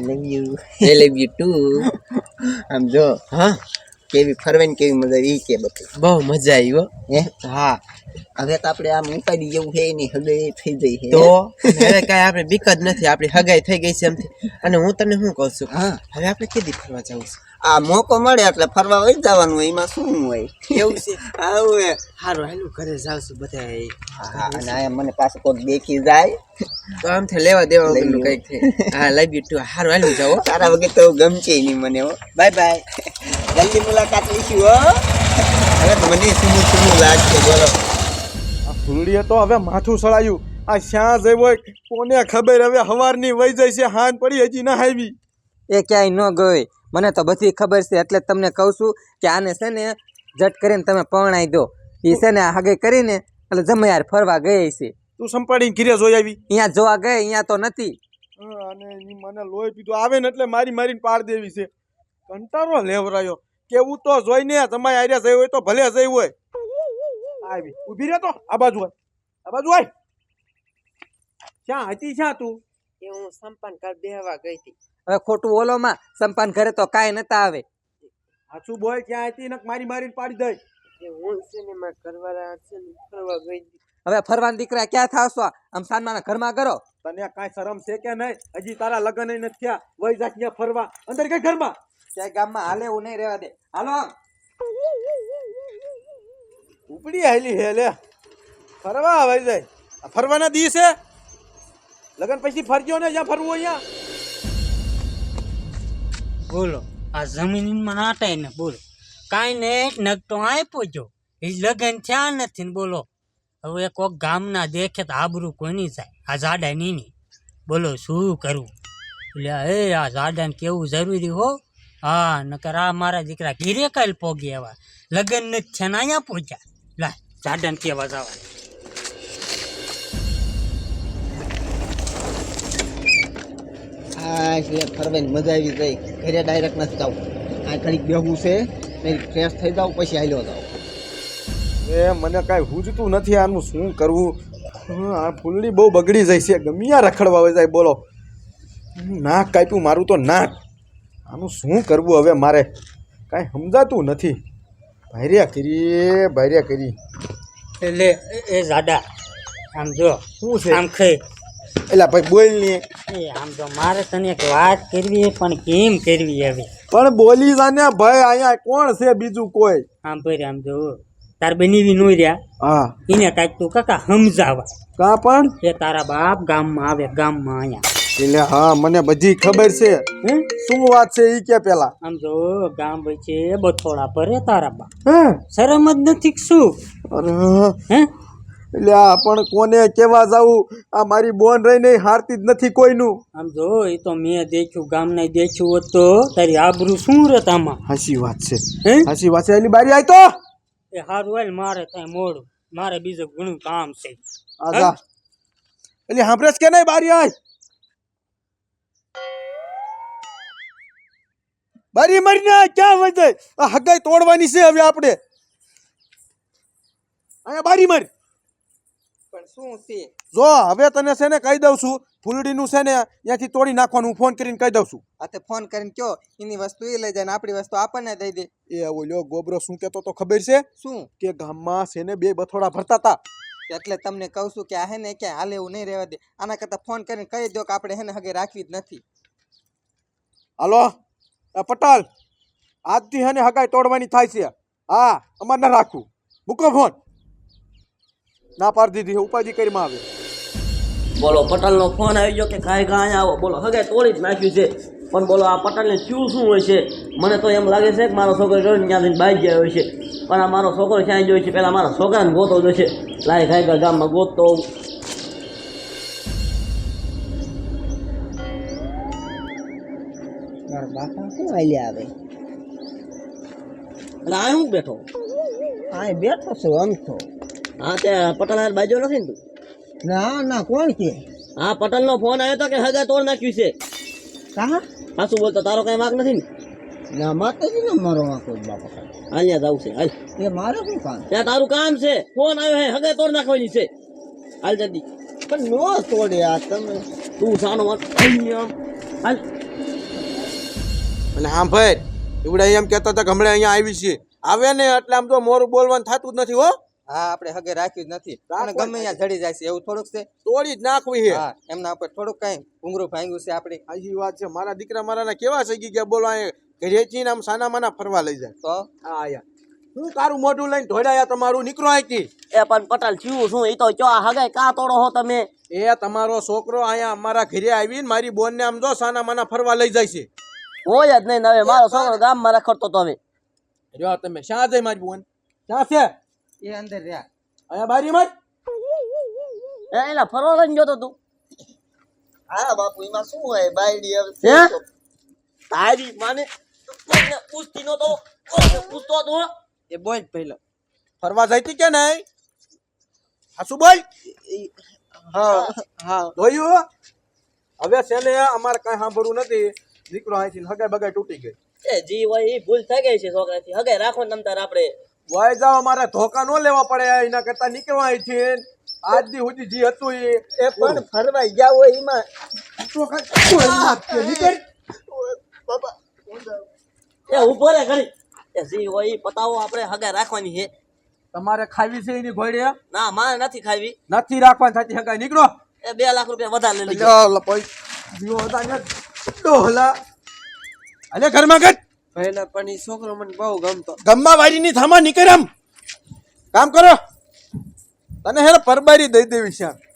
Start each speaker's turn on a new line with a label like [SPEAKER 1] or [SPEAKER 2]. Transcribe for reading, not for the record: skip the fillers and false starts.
[SPEAKER 1] Love you
[SPEAKER 2] I love you too.
[SPEAKER 1] આમ જો
[SPEAKER 2] હા
[SPEAKER 1] કેવી ફરવાની કેવી મજા ઈ કે બધું
[SPEAKER 2] બહુ મજા આવી હો.
[SPEAKER 1] હે
[SPEAKER 2] હા
[SPEAKER 1] હવે તો આપણે આમ ઉપાડી જેવું છે નહીં હગે થઈ જઈ છે
[SPEAKER 2] તો હવે કાંઈ આપણે બીક જ નથી, આપણી હગાઈ થઈ ગઈ છે એમથી. અને હું તને શું કહું છું,
[SPEAKER 1] હા
[SPEAKER 2] હવે આપણે કેદી ફરવા જવું છે?
[SPEAKER 1] આ મોકો મળે એટલે ફરવા વઈ જવાનું હોય એમાં શું હોય
[SPEAKER 2] એવું છે?
[SPEAKER 1] આવું હે
[SPEAKER 2] સારું હાલું ઘરે જાવ છું બધા.
[SPEAKER 1] હા અને આ મને પાછું કોઈક દેખી જાય
[SPEAKER 2] તો આમથી લેવા દેવા
[SPEAKER 1] લઈ
[SPEAKER 2] વગરનું
[SPEAKER 1] લ્યો.
[SPEAKER 2] કંઈક થાય. હા લવ યુ ટુ. સારું હાલું જાઓ.
[SPEAKER 1] તારા વગર તો ગમશે નહીં મને હો
[SPEAKER 2] બાય બાય.
[SPEAKER 1] જલ્દી મુલાકાત લઈશું હો હવે તો મને સુમું સુમું લાગશે બોલો
[SPEAKER 3] આ ફૂલડીએ તો હવે માથું સળાયું. આ શ્યાં જઈ હોય કોને ખબર, હવે હવારની વહી જાય છે, હાન પડી હજી ના આવી.
[SPEAKER 4] એ ક્યાંય ન ગઈ, મને તો બધી ખબર છે. એટલે જ તમને કહું છું કે આને છે ને જટ કરીને તમે પરણાઈ દો. એ છે ને હગે કરીને એટલે જમે યાર ફરવા ગઈ છે.
[SPEAKER 3] તું સંપાડીને ઘીરે જોઈ આવી.
[SPEAKER 4] અહીંયા જોવા ગઈ, અહીંયા તો નથી.
[SPEAKER 3] અને ઈ મને લોહી પીધું આવે ને એટલે મારી મારીને પાડ દેવી છે. કંટાળો લેવરાયો. કેવું તો જોઈને તમારે આર્યા જઈ હોય તો ભલે જઈ હોય. આવી ઊભી રહે તો આ બાજુ હોય, આ બાજુ હોય. ક્યાં હતી ક્યાં તું?
[SPEAKER 2] એ હું સંપાન કર બેહવા ગઈ હતી.
[SPEAKER 4] હવે ખોટું ઓલોમાં સંપાન ઘરે તો કાંઈ નતા આવે.
[SPEAKER 3] સાચું બોલ, ક્યાં હતી ને મારી મારીને પાડી દઈ.
[SPEAKER 2] એ હું છે ને મારા ઘરવાળા છે ને ફરવા ગઈ હતી.
[SPEAKER 4] હવે ફરવાના દીકરા ક્યાં થાવશો? આમ સાનમાના ઘરમાં કરો.
[SPEAKER 3] તને કાંઈ શરમ છે કે નહીં? હજી તારા લગ્ન નથી થયા, વહી જા ત્યાં ફરવા. અંદર કઈ ઘરમાં
[SPEAKER 4] ક્યાંય ગામમાં હાલે એવું નહીં રહેવા દે. હાલો
[SPEAKER 3] ઉપડી આવેલી હે લે ફરવા વહી જાય. આ ફરવાના દી છે, લગ્ન પછી ફરજો ને જ્યાં ફરવું અહીંયા.
[SPEAKER 5] બોલો આ જમીનમાં નાટાય ને બોલો કાંઈ ને એક નગતો આપ્યો જો એ લગન થયા નથી ને બોલો હવે કોક ગામના દેખે તો આબરૂ કોની જાય આ જાડા નીની બોલો શું કરવું એટલે એ આ જાડાને કેવું જરૂરી હો. હા નકર આ મારા દીકરા ઘીરે કાલ પોગી એવા લગન નથી થયા ને અહીંયા પહોંચ્યા. લા જાડાને કેવા જવા
[SPEAKER 1] આ છે ફરવાની મજા આવી ગઈ ઘરે ડાયરેક્ટ નથી જાવ આ ઘડીક બેહવું છે ફ્રેશ થઈ જાવ પછી હાલ્યો જાવ
[SPEAKER 3] એ મને કાંઈ હુજતું નથી આનું શું કરવું. આ ફૂલડી બહુ બગડી જાય છે, ગમ્યા રખડવા વહી જાય. બોલો નાક કાપ્યું મારું તો નાક. આનું શું કરવું હવે મારે કાંઈ સમજાતું નથી. ભાર્યા કરી
[SPEAKER 5] એટલે એ જાડા આમ જો
[SPEAKER 3] શું છે?
[SPEAKER 5] આમ ખાઈ
[SPEAKER 3] એલા ભાઈ બોલ ને.
[SPEAKER 5] એ આમ તો મારે તને એક વાત કરવી પણ કેમ કરવી હવે
[SPEAKER 3] પણ બોલી જાને ભાઈ, અહીંયા કોણ છે બીજું કોઈ?
[SPEAKER 5] આમ પર આમ જો તાર બનીવી નો રહ્યા
[SPEAKER 3] હા
[SPEAKER 5] એને કાંઈક તું કાકા સમજાવા
[SPEAKER 3] કા પણ
[SPEAKER 5] એ તારા બાપ ગામમાં આવે ગામમાં અહીંયા
[SPEAKER 3] એટલે હા મને બધી ખબર છે. શું વાત છે ઈ કે પેલા?
[SPEAKER 5] આમ જો ગામ વચ્ચે બથોડા ભરે તારા બાપ
[SPEAKER 3] હે
[SPEAKER 5] શરમ જ નથી કે શું
[SPEAKER 3] અરે
[SPEAKER 5] હે
[SPEAKER 3] એટલે આ પણ કોને કેવા જાવું? આ મારી બોન રહી નહીં હારતી જ નથી કોઈનું.
[SPEAKER 5] આમ જો એ તો મેં દેખ્યું ગામને દેખ્યું હોત તો તારી આબરૂ શું રત આમાં
[SPEAKER 3] હાચી વાત છે,
[SPEAKER 5] હે
[SPEAKER 3] હાચી વાત છે. એની બારી આય તો
[SPEAKER 5] એ હારું હાલ મારે ત્યાં મોડું મારે બીજું ઘણું કામ છે.
[SPEAKER 3] આજા એટલે સાંભળે કે નહીં? બારી આય, બારી મરીને ક્યાં વઈ જાય? આ હગાઈ તોડવાની છે હવે આપણે. અહીંયા બારી મારી.
[SPEAKER 4] પણ શું છે?
[SPEAKER 3] જો હવે તને છે ને કહી દઉં છું, ફૂલડીનું છે ને ત્યાંથી તોડી નાખવાનું. હું ફોન કરીને કહી દઉં છું.
[SPEAKER 4] આ તે ફોન કરીને કયો એની વસ્તુ એ લઈ જાય ને આપણી વસ્તુ આપણને દઈ દે.
[SPEAKER 3] એ ઓલ્યો ગોબરો શું કહેતો તો ખબર છે?
[SPEAKER 4] શું?
[SPEAKER 3] કે ગામમાં છે ને 2 બથોડા ભરતા હતા.
[SPEAKER 4] એટલે તમને કહું છું કે આ હે ને ક્યાંય હાલે એવું નહીં રહેવા દે. આના કરતાં ફોન કરીને કહી દો કે આપણે હે ને હગે રાખવી જ નથી.
[SPEAKER 3] હાલો આ પટાલ, આજથી હે ને હગાઈ તોડવાની થાય છે. હા અમારે ના રાખવું. મૂકો ફોન. ના પાડી દીધી, ઉપાધિ કરીમાં આવે.
[SPEAKER 6] બોલો પટેલનો ફોન આવી ગયો કે કાંઈ કાંઈ આવો. બોલો હગે તોડી જ નાખ્યું છે. પણ બોલો આ પટેલને શું હોય છે? મને તો એમ લાગે છે કે મારો છોકરો જોઈને ત્યાંથી બાઈ ગયા હોય છે. પણ આ મારો છોકરો ક્યાંય જોઈ છે, પહેલાં મારા છોકરાને ગોતો જોઈશે. લાય ખાઈ ગામમાં ગોતતો
[SPEAKER 1] મારા બાપા શું હાલ્યા આવે
[SPEAKER 6] એટલે આ હું બેઠો.
[SPEAKER 1] હા બેઠો છું આમ તો.
[SPEAKER 6] હા ત્યાં પટેલ બાજુ નથી ને તું?
[SPEAKER 1] ના ના કોણ કે?
[SPEAKER 6] હા પટેલનો ફોન આવ્યો હતો કે હગે તોડ નાખ્યું છે.
[SPEAKER 1] કહા
[SPEAKER 6] હા શું બોલતો? તારો કાંઈ વાંક નથી ને?
[SPEAKER 1] ના માતાજી ને મારો વાંકો બાપા.
[SPEAKER 6] હાલ્યા જવું છે હાલ.
[SPEAKER 1] એ મારે શું કામ?
[SPEAKER 6] ત્યાં તારું કામ છે. ફોન આવ્યો હે હગે તોડ નાખવાની છે. હાલ જલ્દી.
[SPEAKER 1] પણ નો તોડે આ તમે.
[SPEAKER 6] તું સાનો હાલ.
[SPEAKER 3] અને હા ભાઈ એવડા એમ કહેતા હતા કે હમણાં અહીંયા આવી છે આવે ને એટલે આમ તો મોરું બોલવાનું થતું જ નથી હો
[SPEAKER 4] હા આપણે હગે રાખ્યું જ નથી અને ગમે ત્યાં જડી જાય છે એવું થોડુંક છે
[SPEAKER 3] તોડી જ નાખવી છે
[SPEAKER 4] હા એમના ઉપર થોડુંક કઈ ઘૂંઘરું ભાંગ્યું છે આપણે
[SPEAKER 3] આજી વાત છે મારા દીકરા મારાના કેવા થઈ ગયા બોલો અહીંયા ઘરેથી ને આમ સાના માના ફરવા લઈ જાય
[SPEAKER 4] તો
[SPEAKER 3] હા આયા હું તારું મોઢું લઈને ઢોળાયા તમારું નીકળો અહીંથી
[SPEAKER 6] એ પણ પટેલ થયું શું એ તો ચો હગાઈ કા તોડો હો તમે
[SPEAKER 3] એ તમારો છોકરો અહીંયા અમારા ઘરે આવીને મારી બોનને આમ જો સાના માના ફરવા લઈ જાય છે
[SPEAKER 6] હોય જ નહીં ને હવે મારો છોકરો ગામમાં રખડતો તો હવે
[SPEAKER 3] રહ્યો તમે શા જાય મારી બોન ક્યાં છે
[SPEAKER 4] એ અંદર રહ્યા
[SPEAKER 3] અહીંયા બારીમાં જ
[SPEAKER 6] એલા ફરવા લઈને જોતો તું
[SPEAKER 1] હા બાપુ એમાં શું હોય બાયડી
[SPEAKER 6] હે તારી માને કોઈને પૂછતી નતો કોઈને પૂછતો હતો
[SPEAKER 2] એ બોલ પહેલો
[SPEAKER 3] ફરવા જઈતી કે નહીં હાસુ બોલ
[SPEAKER 2] હા હા
[SPEAKER 3] જોયું હવે છેલ્લે અમારે કઈ સાંભળવું નથી દીકરો અહીંથી હગાઈ બગાઈ તૂટી ગઈ
[SPEAKER 6] એ જી હોય એ ભૂલ થઈ ગઈ છે છોકરાથી હગાઈ રાખો ને તમતાર આપણે
[SPEAKER 3] વાય જાઓ મારે ધોકા ન લેવા પડે એના કરતા નીકળવા અહીંથી આજ દી સુધી જી હતું
[SPEAKER 1] એ પણ ફરવા ગયા હોય એમાં
[SPEAKER 3] નીકળ
[SPEAKER 1] બાપા
[SPEAKER 6] એ ઉભો રે ઘડી એ જી હોય એ પતાવો આપણે હગાઈ રાખવાની છે
[SPEAKER 3] તમારે ખાવી છે એની ઘોડે
[SPEAKER 6] ના મારે નથી ખાવી
[SPEAKER 3] નથી રાખવાની થતી હગાઈ નીકળો
[SPEAKER 6] એ 2 લાખ રૂપિયા વધારે લઈ લેજો
[SPEAKER 3] ડોહલા અલે ઘરમાં ગટ
[SPEAKER 2] પહેલા પણ એ છોકરો મને બહુ ગમતો
[SPEAKER 3] ગમ્મા વાડીની થામા નીકળ આમ કામ કરો તને હેર પરબારી દઈ દેવી છે